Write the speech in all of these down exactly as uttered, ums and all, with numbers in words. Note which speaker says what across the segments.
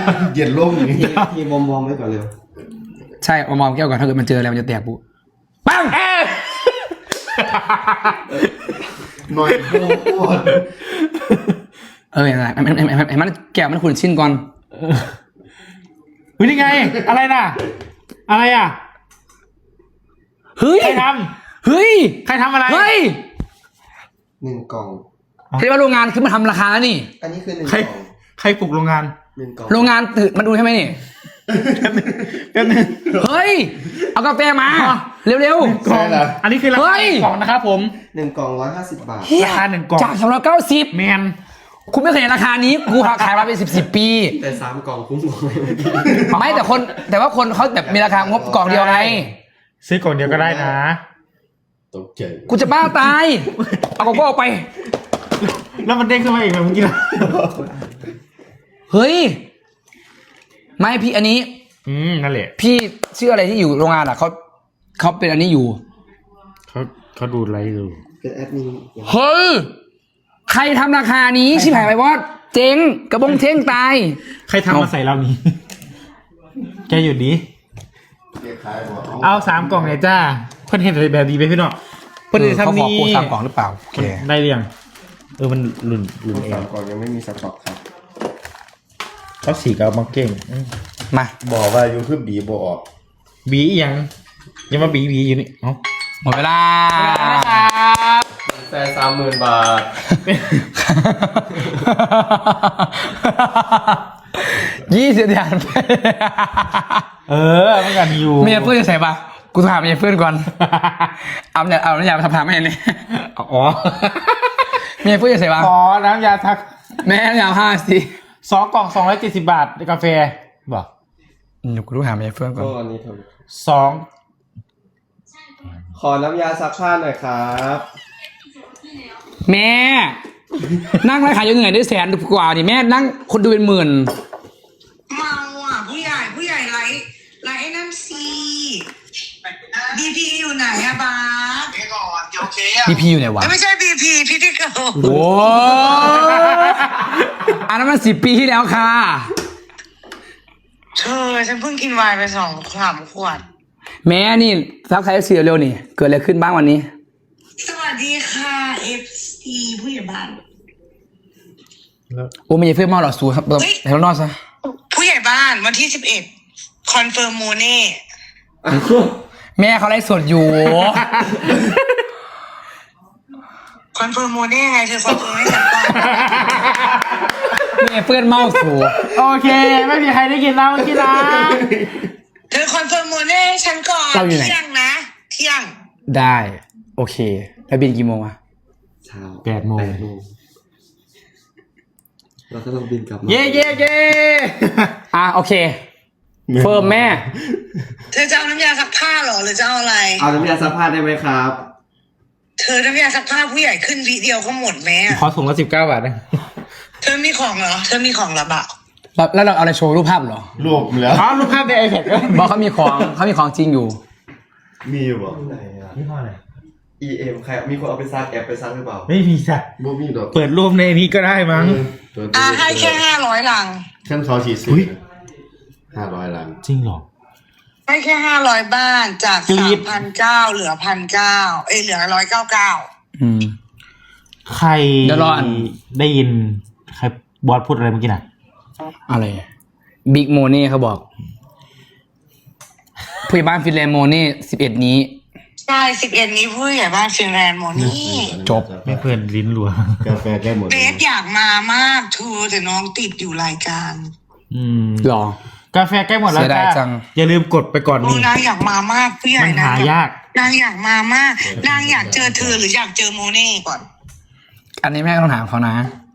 Speaker 1: เย็นล่มอย่างนี้
Speaker 2: ทีบอมบอมไว้ก่อนเร็ว
Speaker 3: ใช่เอามองแก้วก่อนถ้าเกิดมันเจออะไรมันจะแตกปุ๊บปังเออ
Speaker 1: หน่อยโคตร
Speaker 3: เออเห็นไหมเห็นไหมเห็นไหมแก้วมันขุ่นชิ้นก่อน
Speaker 4: เฮ้ยนี่ไงอะไรน่ะอะไรอ่ะ
Speaker 3: เฮ้ย
Speaker 4: ใครท
Speaker 3: เฮ้ย
Speaker 4: ำใครทำอะไร
Speaker 3: เฮ้ย
Speaker 2: หนึ่งกล่อง
Speaker 3: เรียกว่าโรงงานขึ้นมาทำราคาแล้วนี่
Speaker 2: อันนี้คือหนึ่ง
Speaker 4: ใคร
Speaker 2: กล่อง
Speaker 4: ใครปลุกโรงงาน
Speaker 2: หนึ่งกล่อง
Speaker 3: โรงงานตื่นมาดูใช่ไหมนี่
Speaker 4: แป๊บนึง
Speaker 3: เฮ้ยเอากาแฟมาเร็ว
Speaker 4: กล่องอันนี้คือรา
Speaker 3: เฮ้
Speaker 4: คาย กล่องนะครับผม
Speaker 2: หนึ่งกล่องร้อยห้าสิบบาท
Speaker 3: ๆเฮีย
Speaker 4: ราคาหนึ่งกล่อง
Speaker 3: จากสองร้อยเก้าสิบ
Speaker 4: แมน
Speaker 3: คุณไม่เคยเห็นราคานี้กูขายมาเป็นสิบสิบปี
Speaker 2: แต่สามกล่องคุ้มกว่า
Speaker 3: ไม่แต่คนแต่ว่าคนเขาแบบมีราคางบกล่องเดียวไง
Speaker 4: ซื้อกล่องเดียวก็ได้นะ
Speaker 1: ตกใจ
Speaker 3: กูจะบ้าตาย เอากล่องก็ออกไป
Speaker 4: แล้วมันเด้งขึ้นมาอีกแบบเมื่อกี้นะ
Speaker 3: เฮ้ย ไม่พี่อันนี้
Speaker 4: อืมนั่นแหละ
Speaker 3: พี่ชื่ออะไรที่อยู่โรงงานอ่ะเขาเขาเป็นอันนี้อยู่
Speaker 4: เขาเขาดูไลฟ์ดู
Speaker 2: เป็นแอดมิน
Speaker 3: เฮ้ย ใครทำราคานี้ชิบหายไปวอดเจ๊งกระบงเท่งตาย
Speaker 4: ใครทำมาใส่เรานี้แกอยู่ดี
Speaker 1: เรียกขายบอก
Speaker 4: เอาสามกล่องเลยจ้าเพื่อนเห็นอะไรแบบดีไปพี่น้องเพื่อนจะทำนี้
Speaker 3: เขาขอโค้ดสามกล่องหรือเปล่าโอเค
Speaker 4: ได้หรือยังเออมันหลุนหลุนเอ
Speaker 2: สาง มกล่องยังไม่มีสต็อกครับ
Speaker 4: เขาสีกับมังเก่งอืม
Speaker 3: มา
Speaker 1: บอกว่าอยู่คือบีบออก
Speaker 4: บีอีกยังยังมาบีบีอยู่นี่เอ้า
Speaker 3: หมดเวลา
Speaker 4: ครับ
Speaker 2: แต่สามหมื่นบาท
Speaker 3: ยี่สิบเดือนไป
Speaker 4: เออเมื่อกันอยู่
Speaker 3: เมียเพื่อนจะใส่ปะกูถามเมียเพื่อนก่อน เอาเนี่ยเอาน้ำยาทำทำให้เนี่ย
Speaker 4: อ๋อ
Speaker 3: เมียเพื่อนจะใส่ปะ
Speaker 4: ขอน้ำยาทัก
Speaker 3: แม่น้ำยาห้าสิ
Speaker 4: สองกล่องสองร้อยเจ็ดสิบบาทกาแฟบอก
Speaker 3: เดี๋ยวกูรู้หาเมียเพื่อนก่อน
Speaker 2: ก็อันนี้เถอะ
Speaker 4: สอง
Speaker 2: ขอน้ำยาซักผ้าหน่อยครับ
Speaker 3: แม่ นั่งไลฟ์ขายยังไงได้แสนกว่านี่แม่นั่งคนดูเป็นหมื่น
Speaker 5: เมาอ่ะผู้ใหญ่ผู้ใหญ่ไลฟ์ไลฟ์ไอ้นั่นซีบีพีอยู่ไหนอะบาส
Speaker 6: เดี๋ยวก่อนโอเคอ่ะ
Speaker 3: บีพีอยู่ไหนวะ
Speaker 5: ไม่ใช่บีพีพิธีเกิล
Speaker 3: โอ้อันนั้นมันสิบปีที่แล้วค่ะ
Speaker 5: เธอฉันเพิ่งกินไวน์ไปสองสามขวด
Speaker 3: แม่นี่ซักใครเสียเร็วนี่ เกิดอะไรขึ้นบ้างวันนี้
Speaker 5: สวัสดีค่ะเอฟซีผู้ใหญ่บ้าน
Speaker 3: โอ้ไม่ใช่เพื่อนเมาหรอสูครับแถวนอกซะ
Speaker 5: ผู้ใหญ่บ้านวันที่สิบเอ็ดคอนเฟิร์มโมเน่
Speaker 3: แม่เขาไลฟ์สดอยู่
Speaker 5: คอนเฟิร์มโมเน่ไงเธอคอนเฟิร์มให้ฉันก่อน
Speaker 3: แม่เพื่อนเมาสู
Speaker 4: โอเค ไม่มีใครได้กินแล้วเมื่อกี้นะ
Speaker 5: เธอคอนเฟิร์มโมเน่ให้ฉันก่อนเที่ยงนะเที่ยง
Speaker 3: ได้ โอเค แล้วบินกี่โมงอะ
Speaker 2: เช้า
Speaker 4: แปดโมง
Speaker 2: แปดโมงเราก็ต้องบินกลับมา
Speaker 4: เย่เย่เย่
Speaker 3: อ่ะโอเค เฟิร์มแม่
Speaker 5: เธอจะเอาน้ำยาซักผ้าเหรอหรือจะเอาอะไร
Speaker 2: เอาน้ำยาซักผ้าได้ไหมครับ
Speaker 5: เธอน้ำยาซักผ้าผู้ใหญ่ขึ้นวิเดียวก็หมดแม่
Speaker 4: ขอถุงละสิบเก้าบาทนะ
Speaker 5: เธอมีของเหรอ เธอมีของเหรอเปล่า
Speaker 3: แล้วแล้วเราเอาอะไรโชว์รูปภาพเหรอ
Speaker 1: รวมแล้ว
Speaker 4: อ๋อรูปภาพในไอแพดก็
Speaker 3: บอกเขามีของเขามีของจริงอยู่
Speaker 1: มีบอก
Speaker 2: ไหนอะ
Speaker 4: ยี่ห้ออะไร
Speaker 2: อี เอ็ม ใครมีคนเอาไปซักแอบไปซักหรือเปล่า
Speaker 4: ไม่มีจ้ะ
Speaker 1: บ่มีดอก
Speaker 4: เปิดรูปในนี้ก็ได้มั้ง
Speaker 1: ตัว
Speaker 5: อ่าให้แค่ห้าร้อยลัง
Speaker 1: ขั้นเขาฉีดสิ
Speaker 4: อุ๊ย
Speaker 1: ห้าร้อยล้าน
Speaker 4: จริงเหรอ
Speaker 5: ให้แค่ห้าร้อยบ้านจาก
Speaker 4: กรี๊
Speaker 5: สาม
Speaker 4: ด
Speaker 5: พันเก้าเหลือพันเก้าเอ้ยเหลือร้อยเก้าเก้า
Speaker 3: อืม
Speaker 4: ใคร
Speaker 3: เดี๋ยวรออัน
Speaker 4: ได้ยินใครบอสพูดอะไรเมื่อกี้น่ะ
Speaker 3: อะไรบิ๊กโมนี่เขาบอกผู้ใหญ่บ้านฟินแลนด์โมนี่สิบเอ็ดนี้
Speaker 5: ใช่สิบเอ็ดนี้ผู้ใหญ่บ้านฟินแลนด์โมนี่
Speaker 3: จบ
Speaker 4: ไม่เพื่อนลิ้นรัว
Speaker 1: กาแฟได้หมด
Speaker 5: เบสอยากมามากเธอแต่น้องติดอยู่รายการ
Speaker 4: อืม
Speaker 3: หรอ
Speaker 4: กาแฟใกล้หมดแล้ว
Speaker 3: เสียดาย
Speaker 4: จ้า
Speaker 3: จัง
Speaker 4: อย่าลืมกดไปก่อน
Speaker 5: โอ้
Speaker 4: นี่
Speaker 5: นางอยากมามากผู้ใหญ่
Speaker 4: มัน
Speaker 5: นะ
Speaker 4: หายาก
Speaker 5: นางอยากมามากนางอยากเจอเธอหรืออยากเจอโมเน่ก่อน
Speaker 3: อันนี้แม่ก็ต้องถามเขานะ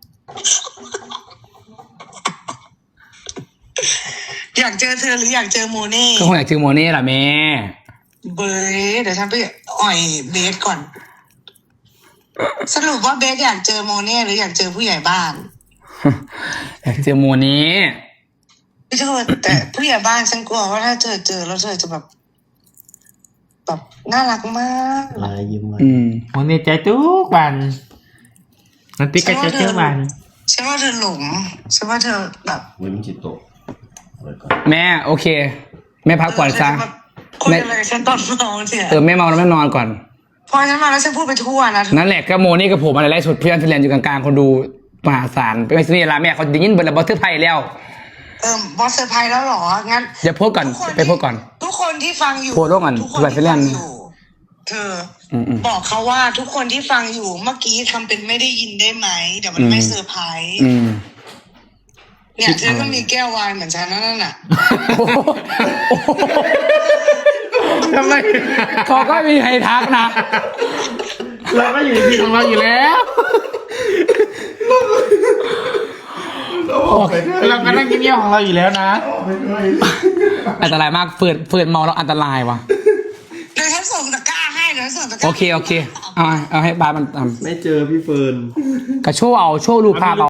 Speaker 5: อยากเจอเธอหรืออยากเจอโมเน่
Speaker 3: ก็คงอยากเจอโมนี่แหละแม่
Speaker 5: เบสเดี๋ยวฉันไปอ่อยเบสก่อน สรุปว่าเบสอยากเจอโมเน่หรืออยากเจอผู้ใหญ่บ้าน
Speaker 3: อยากเจอโมนี่
Speaker 5: พี่เธอแต่ผู้ใหญ่บ้านฉันกลัวว่าถ้าเธอเจอแล้วเธอจะแบบแบบน่ารักมาก
Speaker 1: ลายยิ้มมา
Speaker 3: อืม
Speaker 4: วันนี้ใจทุกวันนันติกก็ใจทุกวัน
Speaker 5: ฉันว่าเธอหลงฉันว่าเธอแบบ
Speaker 1: เหมือนมันจิตตกปิดก่อน
Speaker 3: แม่โอเค แม่พักก่อนซะ
Speaker 5: คุยอะไรกับฉันตอนเมาเนี่ย
Speaker 3: เออแม่เมาแล้วแม่นอนก่อน
Speaker 5: พอฉันมาแล้วฉันพูดไปทั่วนะ
Speaker 3: นั่นแหละก็โมนี่กับผมอะไรไล่สุดเพื่อนฟินแลนด์อยู่กลางๆคนดูมหาศาลเป็นไงสินี่ละแม่เขาได้ยินเบอร์ละบอสเตอร์ไพยแล้ว
Speaker 5: เออบอสเซอร์ไพรส์แล้วเหรองั้น
Speaker 3: อย่าโพสต์ก่อน
Speaker 5: ทุคน
Speaker 3: ไปโพสต์ก่อน
Speaker 5: ทุกคนที่ฟังอยู่
Speaker 3: โพสต์ร่วมกัน
Speaker 5: ทุกคน
Speaker 3: แบบ
Speaker 5: ที่
Speaker 3: เล่
Speaker 5: ฟั
Speaker 3: น
Speaker 5: งอยู่เธออ
Speaker 3: ม
Speaker 5: บอกเขาว่าทุกคนที่ฟังอยู่เมื่อกี้ทำเป็นไม่ได้ยินได้ไหมเดี๋ยวมัน
Speaker 3: อืม
Speaker 5: ไม่เซอร์ไพรส์
Speaker 3: อืม
Speaker 5: เนี่ยเธอก็มีแก้ววายเหมือนฉันนั่นน่ะ
Speaker 4: ทำไม
Speaker 3: เขาก็มีใครทักนะ
Speaker 4: เราก็อยู่ในที่ของเราอยู่แล้ว เราก็นั่งเงียบๆของเราอยู่แล้วนะ
Speaker 3: อันตรายมากเฟื่อนเฟื่อนเมาแล้วอันตรายว่ะ
Speaker 5: เดี๋ยวฉันส่งตะกร้าให้เดี๋ยวฉันส่งตะกร้า
Speaker 3: โอเคโอเคเอาเอาให้บาสมันท
Speaker 2: ไม่เจอพี่เฟิร์น
Speaker 3: ำกระโชว์เอาโชว์รูปภาพเอา